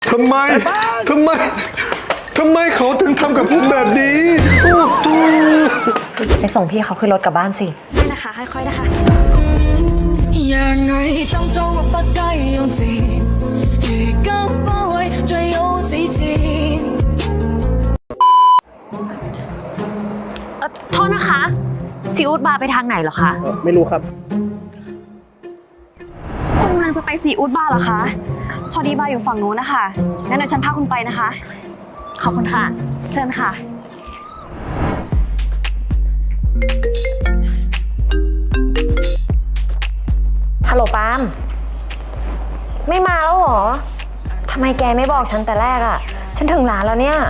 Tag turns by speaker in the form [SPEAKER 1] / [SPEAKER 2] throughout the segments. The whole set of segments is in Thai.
[SPEAKER 1] ทำไมทำไมทำไมเขาถึงทำกับผมแบบนี้
[SPEAKER 2] ไปส่งพี่เขาขึ้นรถกลับบ้านสิ
[SPEAKER 3] ได้นะคะค่อยๆนะคะ
[SPEAKER 4] 让爱當作不羈用字，如今不會再有此前。
[SPEAKER 2] โทษนะคะซีอูดบาร์ไปทางไหนเหรอคะ
[SPEAKER 5] ไม่รู้ครับ
[SPEAKER 3] คุณกำลังจะไปซีอูดบาร์เหรอคะพอดีบาร์อยู่ฝั่งนู้นนะคะงั้นเดี๋ยวฉันพาคุณไปนะคะ
[SPEAKER 2] ขอบคุณค่ะ
[SPEAKER 3] เชิญค่ะ
[SPEAKER 2] ฮัลโหลปาล์มไม่มาแล้วเหรอทำไมแกไม่บอกฉันแต่แรกอะฉันถึงร้านแล้วเนี่ย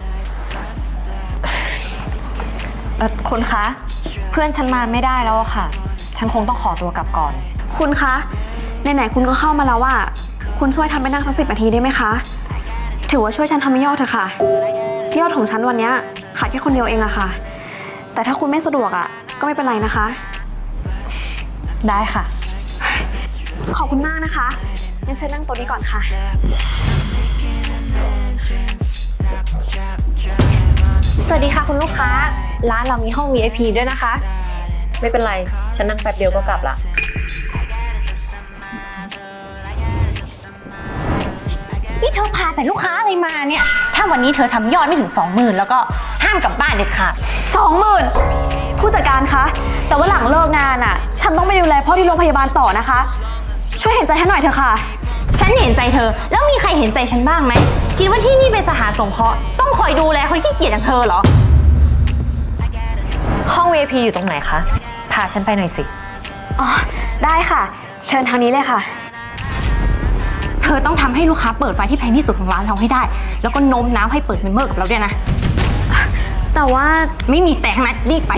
[SPEAKER 2] คุณคะเพื่อนฉันมาไม่ได้แล้วค่ะฉันคงต้องขอตัวกลับก่อน
[SPEAKER 3] คุณคะไหนๆคุณก็เข้ามาแล้วว่าคุณช่วยทำไปนั่งสัก10 นาทีได้ไหมคะถือว่าช่วยฉันทำยอดเถอะค่ะยอดของฉันวันนี้ขาดแค่คนเดียวเองอะค่ะแต่ถ้าคุณไม่สะดวกอะก็ไม่เป็นไรนะคะ
[SPEAKER 2] ได้ค่ะ
[SPEAKER 3] ขอบคุณมากนะคะงั้นเชิญนั่งโต๊ะนี้ก่อนค่ะ
[SPEAKER 2] สวัสดีค่ะคุณลูกค้าร้านเรามีห้อง VIP ด้วยนะคะไม่เป็นไรฉันนั่งแป๊บเดียวก็กลับละ
[SPEAKER 6] นี่เธอพาแต่ลูกค้าอะไรมาเนี่ยถ้าวันนี้เธอทำยอดไม่ถึง 20,000แล้วก็ห้ามกลับบ้านเด็ดขาด
[SPEAKER 3] 20,000ผู้จัดการคะแต่ว่าหลังเลิกงานอะฉันต้องไปดูแลพ่อที่โรงพยาบาลต่อนะคะช่วยเห็นใจให้หน่อยเถอะค่ะ
[SPEAKER 6] ฉันเห็นใจเธอแล้วมีใครเห็นใจฉันบ้างไหมคิดว่าที่นี่เป็นสถานสงเคราะห์ต้องคอยดูแลคนขี้เกียจอย่างเธอเหรอ
[SPEAKER 2] ห้อง VIP อยู่ตรงไหนคะพาฉันไปหน่อยสิ
[SPEAKER 3] อ๋อได้ค่ะเชิญทางนี้เลยค่ะ
[SPEAKER 6] เธอต้องทำให้ลูกค้าเปิดไฟที่แพงที่สุดของร้านเราให้ได้แล้วก็โน้มน้าวให้เปิดเมมเบอร์กับเราด้วยนะ
[SPEAKER 3] แต่ว่า
[SPEAKER 6] ไม่มีแต่ทั้งนั้นรีบไป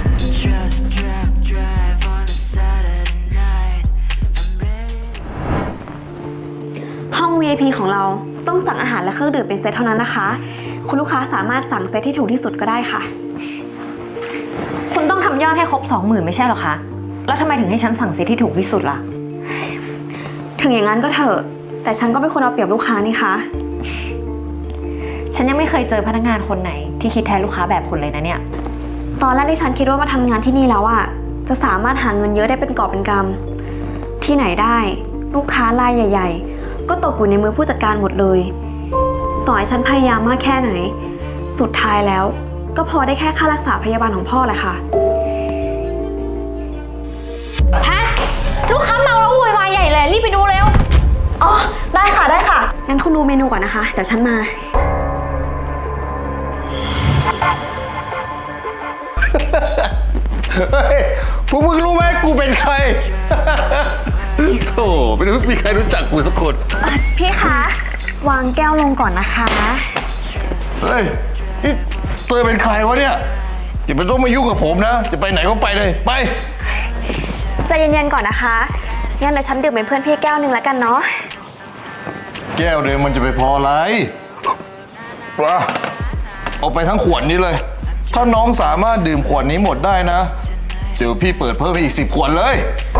[SPEAKER 3] ห้อง VIP ของเราต้องสั่งอาหารและเครื่องดื่มเป็นเซตเท่านั้นนะคะคุณลูกค้าสามารถสั่งเซตที่ถูกที่สุดก็ได้ค่ะ
[SPEAKER 2] คุณต้องทำยอดให้ครบ 20,000ไม่ใช่หรอคะแล้วทำไมถึงให้ฉันสั่งเซตที่ถูกที่สุดล่ะ
[SPEAKER 3] ถึงอย่างนั้นก็เถอะแต่ฉันก็เป็นคนเอาเปรียบลูกค้านี่คะ
[SPEAKER 2] ฉันยังไม่เคยเจอพนักงานคนไหนที่คิดแทนลูกค้าแบบคุณเลยนะเนี่ย
[SPEAKER 3] ตอนแรกที่ฉันคิดว่ามาทำงานที่นี่แล้วอะจะสามารถหาเงินเยอะได้เป็นกอบเป็นกำที่ไหนได้ลูกค้ารายใหญ่ๆก็ตกอยู่ในมือผู้จัดการหมดเลยต่อให้ฉันพยายามมากแค่ไหนสุดท้ายแล้วก็พอได้แค่ค่ารักษาพยาบาลของพ่อแหละค่ะ
[SPEAKER 6] แพทลูกค้าเมาแล้วโวยวายใหญ่เลยรีบไปดูเร็ว
[SPEAKER 3] อ๋อได้ค่ะได้ค่ะงั้นคุณดูเมนูก่อนนะคะเดี๋ยวฉันมา
[SPEAKER 1] เฮ้ยพวกมึงรู้ไหมกูเป็นใครโธ่ไม่รู้มีใครรู้จักกูสักคน
[SPEAKER 3] พี่คะวางแก้วลงก่อนนะคะ
[SPEAKER 1] เฮ้ยนี่เธอเป็นใครวะเนี่ยอย่าไปต้องมายุ่งกับผมนะจะไปไหนก็ไปเลยไป
[SPEAKER 3] ใจเย็นๆก่อนนะคะงั้นเดี๋ยวฉันดื่มเป็นเพื่อนพี่แก้วนึงแล้วกันเนาะ
[SPEAKER 1] แก้วเดิมมันจะไปพออะไรวะเอาไปทั้งขวดนี้เลยถ้าน้องสามารถดื่มขวดนี้หมดได้นะเดี๋ยวพี่เปิดเพิ่มอีก10 ขวดเลย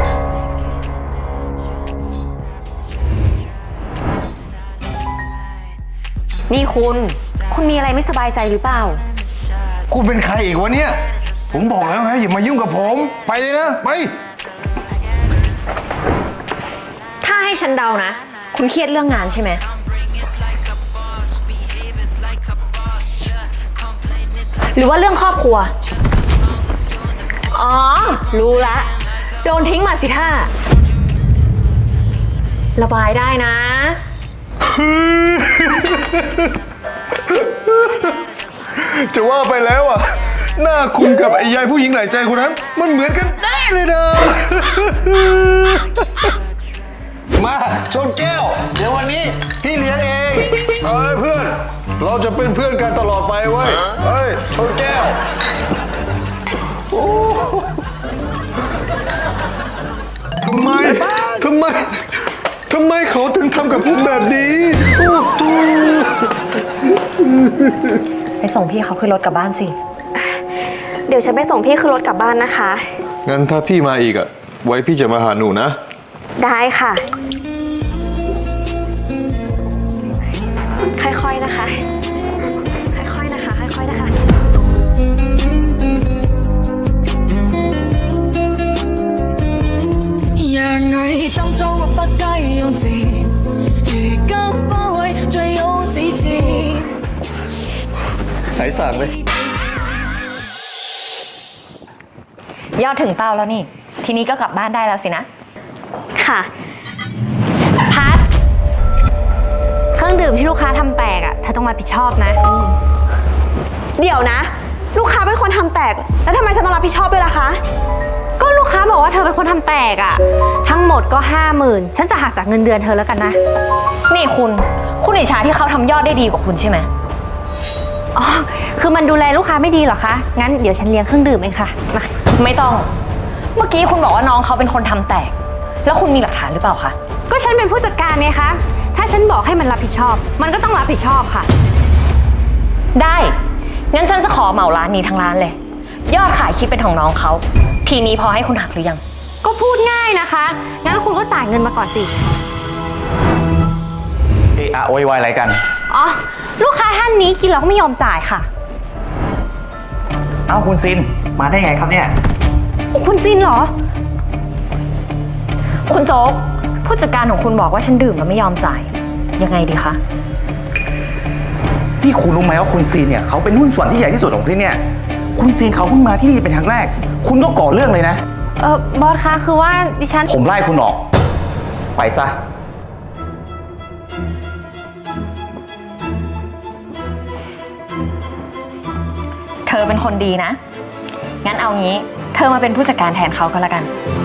[SPEAKER 2] นี่คุณมีอะไรไม่สบายใจหรือเปล่า
[SPEAKER 1] คุณเป็นใครอีกวะเนี่ยผมบอกแล้วไงอย่ามายุ่งกับผมไปเลยนะไป
[SPEAKER 2] ถ้าให้ฉันเดานะคุณเครียดเรื่องงานใช่ไหมหรือว่าเรื่องครอบครัวอ๋อรู้ละโดนทิ้งมาสิท่าระบายได้นะ
[SPEAKER 1] จะว่าไปแล้วอ่ะหน้าคุณกับไอ้ยายผู้หญิงหลายใจคนนั้นมันเหมือนกันได้เลยนะมาชนแก้วเดี๋ยววันนี้พี่เลี้ยงเองเพื่อนเราจะเป็นเพื่อนกันตลอดไปเว้ยเฮ้ยชนแก้วทำไมเขาถึงทำกับผมแบบนี้
[SPEAKER 2] ไปส่งพี่เขาขึ้นรถกลับบ้านสิ
[SPEAKER 3] เดี๋ยวฉันไปส่งพี่ขึ้นรถกลับบ้านนะคะ
[SPEAKER 1] งั้นถ้าพี่มาอีกอ่ะไว้พี่จะมาหาหนูนะ
[SPEAKER 3] ได้ค่ะ
[SPEAKER 1] สั่งเลย
[SPEAKER 2] ยอดถึงเป้าแล้วนี่ ทีนี้ก็กลับบ้านได้แล้วสินะ
[SPEAKER 3] ค่ะ พัด เครื่องดื่มที่ลูกค้าทำแตกอ่ะเธอต้องรับผิดชอบนะ เดี๋ยวนะ ลูกค้าเป็นคนทำแตก แล้วทำไมฉันต้องรับผิดชอบด้วยล่ะคะ ก็ลูกค้าบอกว่าเธอเป็นคนทำแตกอ่ะ ทั้งหมดก็ 50,000ฉันจะหักจากเงินเดือนเธอแล้วกันนะ
[SPEAKER 2] นี่คุณอิจฉาที่เขาทำยอดได้ดีกว่าคุณใช่ไหม
[SPEAKER 3] อ๋อ คือมันดูแลลูกค้าไม่ดีเหรอคะ งั้นเดี๋ยวฉันเลี้ยงเครื่องดื่มเองค่ะ มา
[SPEAKER 2] ไม่ต้อง เมื่อกี้คุณบอกว่าน้องเขาเป็นคนทำแตก แล้วคุณมีหลักฐานหรือเปล่าคะ
[SPEAKER 3] ก็ฉันเป็นผู้จัดการไงคะ ถ้าฉันบอกให้มันรับผิดชอบ มันก็ต้องรับผิดชอบค่ะ
[SPEAKER 2] ได้ งั้นฉันจะขอเหมาร้านนี้ทั้งร้านเลย ยอดขายคิดเป็นของน้องเขา ทีนี้พอให้คุณหักหรือยัง
[SPEAKER 3] ก็พูดง่ายนะคะ งั้นคุณก็จ่ายเงินมาก่อนสิ
[SPEAKER 5] เอะอะโวยวายอะไรกัน
[SPEAKER 3] อ๋อ ลูกค้าท่านนี้กินแล้วก็ไม่ยอมจ่ายค่ะ
[SPEAKER 5] เอ้าคุณซิน มาได้ไงครับเนี่ย
[SPEAKER 3] คุณซินเหรอ
[SPEAKER 2] คุณโจ๊ก ผู้จัดการของคุณบอกว่าฉันดื่มแล้วไม่ยอมจ่าย ยังไงดีคะ
[SPEAKER 5] นี่คุณรู้ไหมว่าคุณซีนเนี่ยเขาเป็นหุ้นส่วนที่ใหญ่ที่สุดของที่เนี่ย คุณซีนเขาเพิ่งมาที่นี่เป็นครั้งแรก คุณก็ก่อเรื่องเลยนะ
[SPEAKER 3] บอสคะคือว่าดิฉัน
[SPEAKER 5] ผมไล่คุณออก ไปซะ
[SPEAKER 2] เธอเป็นคนดีนะ งั้นเอางี้ เธอมาเป็นผู้จัดการแทนเขาก็แล้วกัน